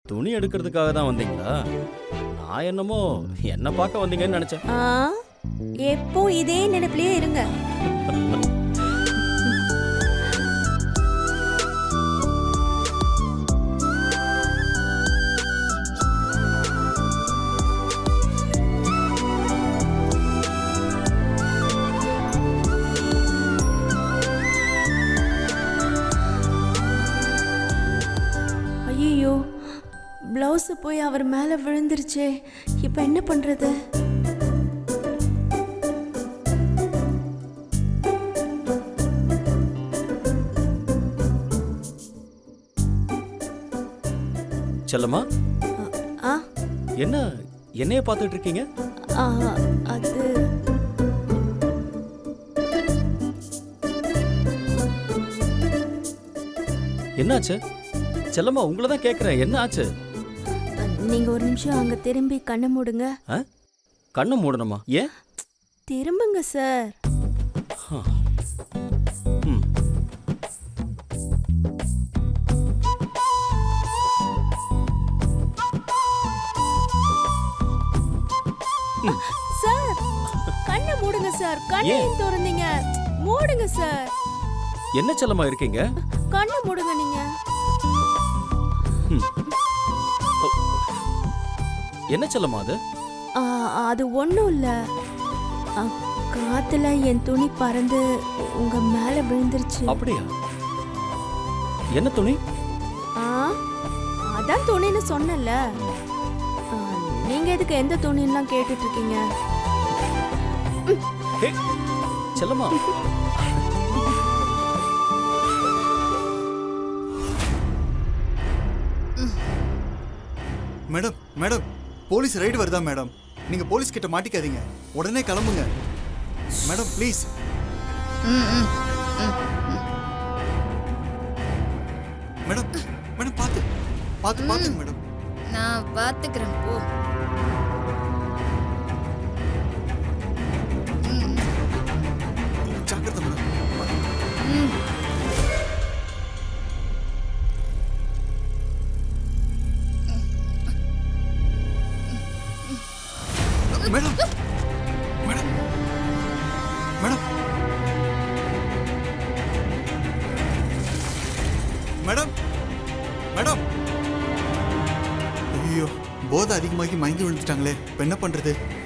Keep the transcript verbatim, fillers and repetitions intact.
துணி எடுக்கிறதுக்காக தான் வந்தீங்களா? நான் என்னமோ என்ன பார்க்க வந்தீங்கன்னு நினைச்சேன். ஆ, எப்போ இதே நினைப்பிலேயே இருங்க. ஐயோ, பிளவுஸ் போய் அவர் மேல விழுந்துருச்சே. இப்ப என்ன பண்றது? செல்லம்மா, ஆ, என்ன என்னைய பார்த்துட்டு இருக்கீங்க? ஆ, அது என்னாச்சு? செல்லம்மா, உங்களை தான் கேட்குறேன். என்ன ஆச்சு? நீங்க ஒரு நிமிஷம் அங்க திரும்பி கண்ணை மூடுங்க. ஆ? கண்ணை மூடணுமா? ஏன்? திரும்புங்க சார். ம். சார், கண்ணை மூடுங்க சார். கண்ணை ஏன்? திறந்தீங்க. மூடுங்க சார். என்ன செல்லம்மா இருக்கீங்க? கண்ணை மூடுங்க நீங்க. ம். ஓ. என்ன செல்லம்மா அது? ஆ, அது ஒண்ணும் இல்ல. ஆ, காத்துல என் துணி பறந்து உங்க மேல விழுந்துருச்சு. அப்படியா? என்ன துணி? ஆ, அதான் துணின்னு சொன்னல. நீங்க எதுக்கு எந்த துணிலாம் கேட்டுட்டு இருக்கீங்க? Hey, Chellamma. Madam madam police raid வருதா மேடம்? நீங்க போலீஸ் கிட்ட மாட்டிக்காதீங்க, உடனே கிளம்புங்க மேடம் ப்ளீஸ். மேடம் மேடம் பார்த்து பார்த்து பார்த்துங்க மேடம். நான் பார்த்துக்கிறேன் போ. ஜாக்கிரதை madam. Madam madam madam madam madam ஐயோ, போதை அதிகமாகி மயங்கி விழுந்துட்டாங்களே, இப்போ என்ன பண்றது?